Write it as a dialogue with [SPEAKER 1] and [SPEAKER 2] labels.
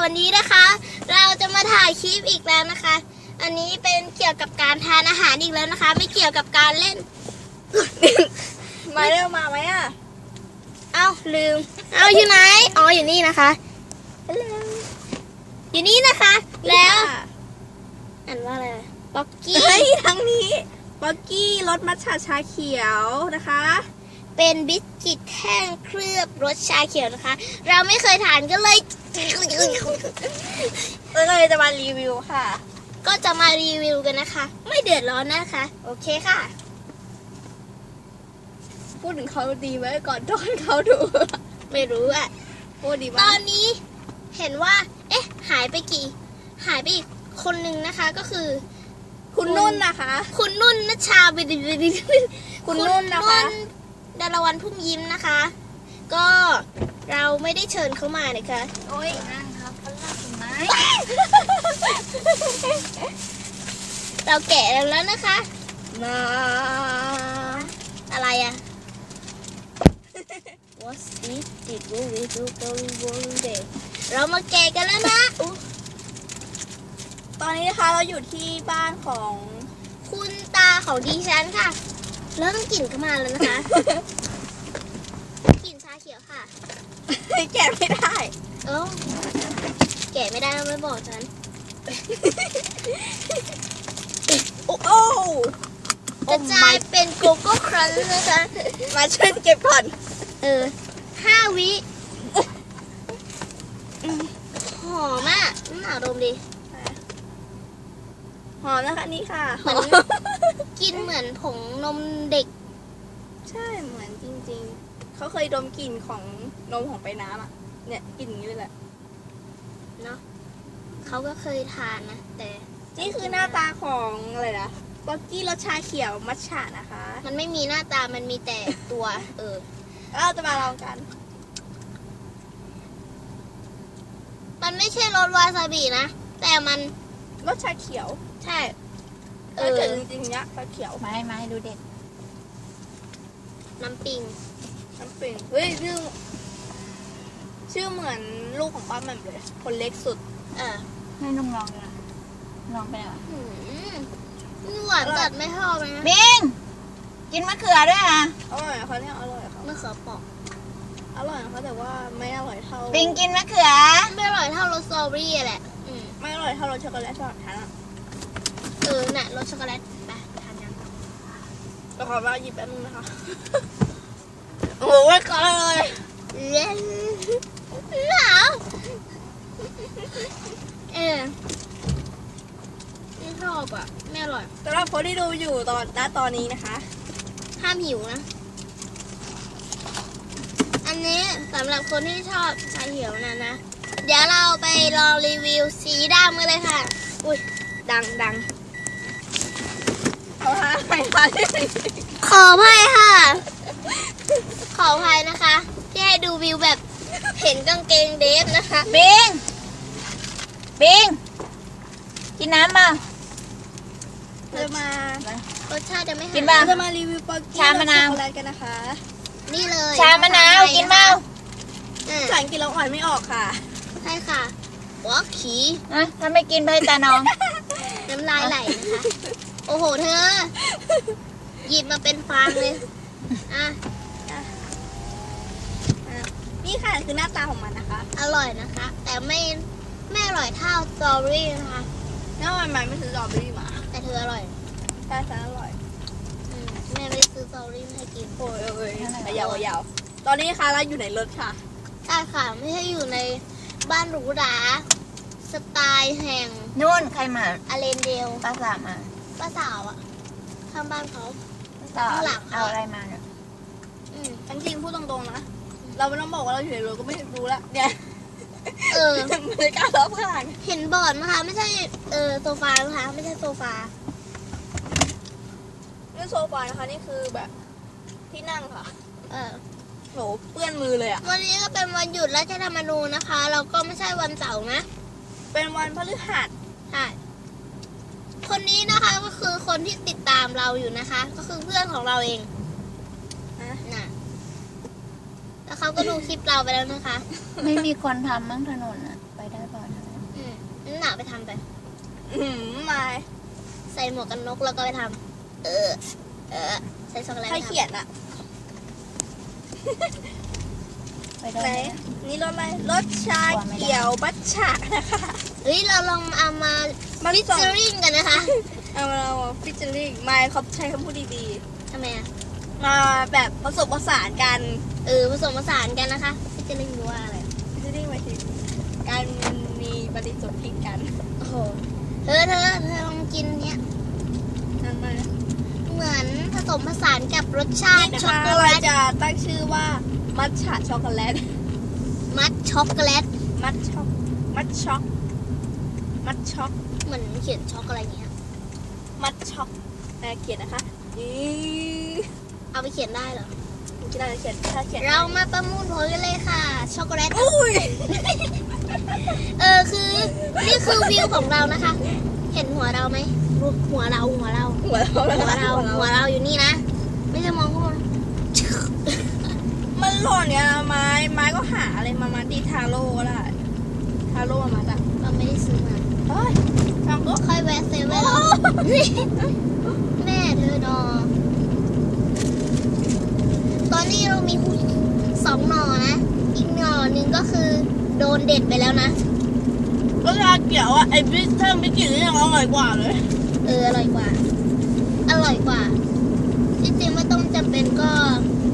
[SPEAKER 1] วันนี้นะคะ เราจะมาถ่ายคลิปอีกแล้วนะคะ อันนี้เป็นเกี่ยวกับการทานอาหารอีกแล้วนะคะ ไม่เกี่ยวกับการเล่น
[SPEAKER 2] มาเร็วมาไหมอ่ะ
[SPEAKER 1] เอ้าลืม เอ้าอยู่ไหน อ๋ออยู่นี่นะคะ อยู่นี่นะคะ แล้วอ่านว่าอะไรป๊อกกี้
[SPEAKER 2] เฮ้ยทั้งนี้ป๊อกกี้รสมัทฉะชาเขียวนะคะ
[SPEAKER 1] เป็นบิสกิตแห้งเคลือบรสชาเขียวนะคะ เราไม่เคยทานก็เลย
[SPEAKER 2] เราเลยจะมารีวิวค่ะ
[SPEAKER 1] ก็จะมารีวิวกันนะคะ ไม่เดือดร้อนนะคะ โอเคค่ะ
[SPEAKER 2] พูดถึงเขาดีไว้ก่อนตอนเขาดู
[SPEAKER 1] ไม่รู้อะ
[SPEAKER 2] พูดดี
[SPEAKER 1] ต
[SPEAKER 2] มา
[SPEAKER 1] อก นนี้เห็นว่า เอ๊ะ หายไปอีกคนนึงนะคะ ก็คือ
[SPEAKER 2] คุณนุ่นนะคะ
[SPEAKER 1] คุณนุ่นนัชชาบิด
[SPEAKER 2] คุณนุ่นนะคะ
[SPEAKER 1] ดารวันพุ่มยิ้มนะคะ ก็เราไม่ได้เชิญเขามานะคะ
[SPEAKER 2] โอ้ยนั่งครับเขานั่งตรงไหน
[SPEAKER 1] เราแกะแล้วนะคะ
[SPEAKER 2] มา
[SPEAKER 1] อะไรอะ What's this? Did we do go one day? เรามาแกะกันแล้วนะอุ๊ย
[SPEAKER 2] ตอนนี้นะคะเราอยู่ที่บ้านของ
[SPEAKER 1] คุณตาของดิฉันค่ะเริ่มกลิ่นเข้ามาแล้วนะคะ กลิ่นชาเขียวค่ะ
[SPEAKER 2] แกะไม่ได้
[SPEAKER 1] เอ้าแกะไม่ได้ไม่บอกฉัน
[SPEAKER 2] โอ้โอ้
[SPEAKER 1] กระจายเป็นโกโก้ครันช์นะคะ
[SPEAKER 2] มาช่วยเก็บก่อน
[SPEAKER 1] 5 วิหอมอ่ะน่าดมดิ
[SPEAKER 2] หอมนะคะนี่ค่ะ
[SPEAKER 1] เหมือน กินเหมือนผงนมเด็ก
[SPEAKER 2] ใช่เหมือนจริงๆ เขาเคยดมกลิ่นของนมของไปน้ำอ่ะ เนี่ยกลิ่นอย่างนี้เลยแหละ
[SPEAKER 1] เนาะเขาก็เคยทานนะ แต่
[SPEAKER 2] นี่คือหน้าตาของอะไรนะบ็อกกี้รสชาเขียวมัทฉะนะคะ
[SPEAKER 1] มันไม่มีหน้าตามันมีแต่ตัว
[SPEAKER 2] แล้วเราจะมาลองกัน
[SPEAKER 1] มันไม่ใช่รสวาซาบินะ แต่มัน
[SPEAKER 2] รสชาเขียว
[SPEAKER 1] ใช่
[SPEAKER 2] ถ้าเกิดจริงๆเนี้ยชาเขียว
[SPEAKER 3] ไม่ดูเด็ก
[SPEAKER 1] น้ำปิง
[SPEAKER 2] น้ำปิงเฮ้ยชื่อเหมือนลูกของป้าแหม่มเลย คนเล็กสุด
[SPEAKER 3] ให้ลุงลองดูนะลองไปหน่อย
[SPEAKER 1] หืมหวานจัดไม่ชอบเลยนะ
[SPEAKER 3] บิงกินมะเขือด้วยอ่ะ
[SPEAKER 2] อร่อยเขาเนี่ยอร่อยเขา
[SPEAKER 1] มะเขือเปอก
[SPEAKER 2] อร่อยนะคะแต่ว่าไม่อร่อยเท่า
[SPEAKER 3] บิงกินมะเขือ
[SPEAKER 1] ไม่อร่อยเท่ารสสตรอเบอรี่แหละ
[SPEAKER 2] ไม่อร่อยเท่ารสช็อกโกแลตสำหรับฉันอ่ะ
[SPEAKER 1] น่ะรสช็อกโกแลตไปทานยัง
[SPEAKER 2] เราขอมาหยิบแป๊บนึงนะคะ โอ้โหไว้ก่อนเลย
[SPEAKER 1] เล่นหนาวไม่ชอบอ่ะไม่อร่อย
[SPEAKER 2] สำหรับคนที่ดูอยู่ตอนนี้นะคะ
[SPEAKER 1] ห้ามหิวนะ อันนี้สำหรับคนที่ชอบชาเขียวนะ เดี๋ยวเราไปลองรีวิวสีดำกันเลยค่ะ อุ้ยดัง
[SPEAKER 2] เอาฮะไปค่ะ
[SPEAKER 1] ขออภัยค่ะ ขออภัยนะคะ ที่ให้ดูวิวแบบเห็นกางเกงเดฟนะคะ
[SPEAKER 3] บิงกินน้ำเปล่า
[SPEAKER 2] จะมาร
[SPEAKER 1] สชาติจะไม่
[SPEAKER 3] กิน
[SPEAKER 1] หา
[SPEAKER 3] ป่ะ
[SPEAKER 2] เราจะมารีวิวป๊อกกี้
[SPEAKER 3] ชามะนาว
[SPEAKER 2] ช็อกโกแลตกันนะคะ
[SPEAKER 1] นี่เลย
[SPEAKER 3] ชามะนาวกินเปล่า
[SPEAKER 1] อ่ะ
[SPEAKER 2] ภาษาอังกฤษเราอ่านไม่ออกค่ะ
[SPEAKER 1] ใช่ค่ะวอกขี
[SPEAKER 3] อ่ะถ้าไม่กินไปตาน้อง
[SPEAKER 1] น้ำลายไหลนะคะ โอ้โหเธอ หยิบมาเป็นฟางเลย อ่ะ
[SPEAKER 2] นี่ค่ะคือหน้าตาของมันนะคะ
[SPEAKER 1] อร่อยนะคะ แต่ไม่อร่อยเท่าสตรอเบอรี่นะคะ
[SPEAKER 2] แล้วมันไม่ซื้อสตรอเบอรี่มา
[SPEAKER 1] แต่เธออร่อย
[SPEAKER 2] ใช่ฉันอร่อย
[SPEAKER 1] แม่ไม่ได้ซื้อสตรอเบอรี่มาให้กิน
[SPEAKER 2] โอ้ยยาวตอนนี้นะคะเราอยู่ในรถค่ะ
[SPEAKER 1] ใช่ค่ะ ไม่ใช่อยู่ในบ้านหรูหราสไตล์แห่ง
[SPEAKER 3] นู่นใครมา
[SPEAKER 1] อาเลนเดล
[SPEAKER 3] ป้าสาวมา
[SPEAKER 1] ป้าสาวอะข้างบ้านเขา
[SPEAKER 3] ป้าสาว
[SPEAKER 1] ข้างหลัง
[SPEAKER 3] เอาอะไรมาเนี่ย
[SPEAKER 1] อืม
[SPEAKER 2] จริงๆพูดตรงๆนะ เราไม่ต้องบอกว่าเราอยู่ในรถก็ไม่รู้ละเนี่ย บรรยากาศรอบข้าง
[SPEAKER 1] เห็นบอร์ดนะคะ ไม่ใช่โซฟานะคะ ไม่ใช่โซฟา
[SPEAKER 2] นี่โซฟานะคะนี่คือแบบที่นั่งค่ะ
[SPEAKER 1] เออ
[SPEAKER 2] โหเปื้อนมือเลยอ่ะ
[SPEAKER 1] วันนี้ก็เป็นวันหยุดราชธรรมนูญนะคะ เราก็ไม่ใช่วันเสาร์นะ
[SPEAKER 2] เป็นวันพฤหัส
[SPEAKER 1] ใช่ คนนี้นะคะก็คือคนที่ติดตามเราอยู่นะคะ ก็คือเพื่อนของเราเอง น่ะ แล้วเขาก็ดูคลิปเราไปแล้วนะคะ
[SPEAKER 3] ไม่มีคนทำมั้งถนนอ่ะ ไปได้เปล่านะ
[SPEAKER 1] นั่นหนาไปทำไป
[SPEAKER 2] ไม่
[SPEAKER 1] ใส่หมวกกันน็อกแล้วก็ไปทำใส่ช็อกโกแลต
[SPEAKER 2] ใครเขียนอะ
[SPEAKER 3] ไปได้
[SPEAKER 2] ไหน
[SPEAKER 3] ไหม
[SPEAKER 2] นี่รสอะไรรสชาเขียวบัตชะนะคะ
[SPEAKER 1] เฮ้ยเราลองเอามา
[SPEAKER 2] มัน
[SPEAKER 1] ฟิช
[SPEAKER 2] ส่ง
[SPEAKER 1] เชอริงกันนะคะ
[SPEAKER 2] เอาเราฟิชเชอริ่งไม่เขาใช้คำพูดดี
[SPEAKER 1] ทำไมอ่ะ
[SPEAKER 2] ๆมาแบบผสมผสานกัน
[SPEAKER 1] ผสมผสานกันนะคะฟิชเชอริงรู้ว่าอะไร
[SPEAKER 2] ฟิชเชอริ่งหมายถึงการมีปฏิสนธิกัน
[SPEAKER 1] โอ้โหเธอลองกินเนี้ย
[SPEAKER 2] นั่นมา
[SPEAKER 1] เหมือนผสมผสานกับรสชาติ
[SPEAKER 2] นี่นะ
[SPEAKER 1] ช็อก
[SPEAKER 2] คะ
[SPEAKER 1] โกแล
[SPEAKER 2] เรา
[SPEAKER 1] ต
[SPEAKER 2] จะตั้งชื่อว่ามัทฉะช็อกโกแลต
[SPEAKER 1] มัดช็อกโกแลต
[SPEAKER 2] มัทช็อกมัทช็อกมัทช็อก
[SPEAKER 1] เหมือนเขียนช็อกอะไรเงี้ย
[SPEAKER 2] มัทช็อกเขียนนะคะนี่
[SPEAKER 1] เอาไปเขียนได้เหรอ
[SPEAKER 2] ที่เราจะเขียนถ้าเขียน
[SPEAKER 1] เรามาประมูลผลกันเลยค่ะ ช็อกโกแลต
[SPEAKER 2] อุ้ย
[SPEAKER 1] คือนี่คือวิวของเรานะคะ เห็นหัวเราไหมหัวเรา
[SPEAKER 2] หัวเรา
[SPEAKER 1] อยู่นี่นะ ไม่จะมองข้างบน
[SPEAKER 2] มันหล่นเนี่ยไม้ก็หาอะไรมาดีทาโร่ก็ได้ทาโร่มาจ้ะ
[SPEAKER 1] เราไม่ได้ซื้อมา
[SPEAKER 2] เฮ้ยทำก็
[SPEAKER 1] ค่อยแวะเซเว่นแล้วแม่เธอดอตอนนี้เรามี2 หน่อนะ อีกหน่อหนึ่งก็คือโดนเด็ดไปแล้วนะ
[SPEAKER 2] ก็ชาเขียวอ่ะไอ้พิซซ่าไม่กินนี่ยังอร่อยกว่าเลย
[SPEAKER 1] อร่อยกว่า ที่จริงไม่ต้องจำเป็นก็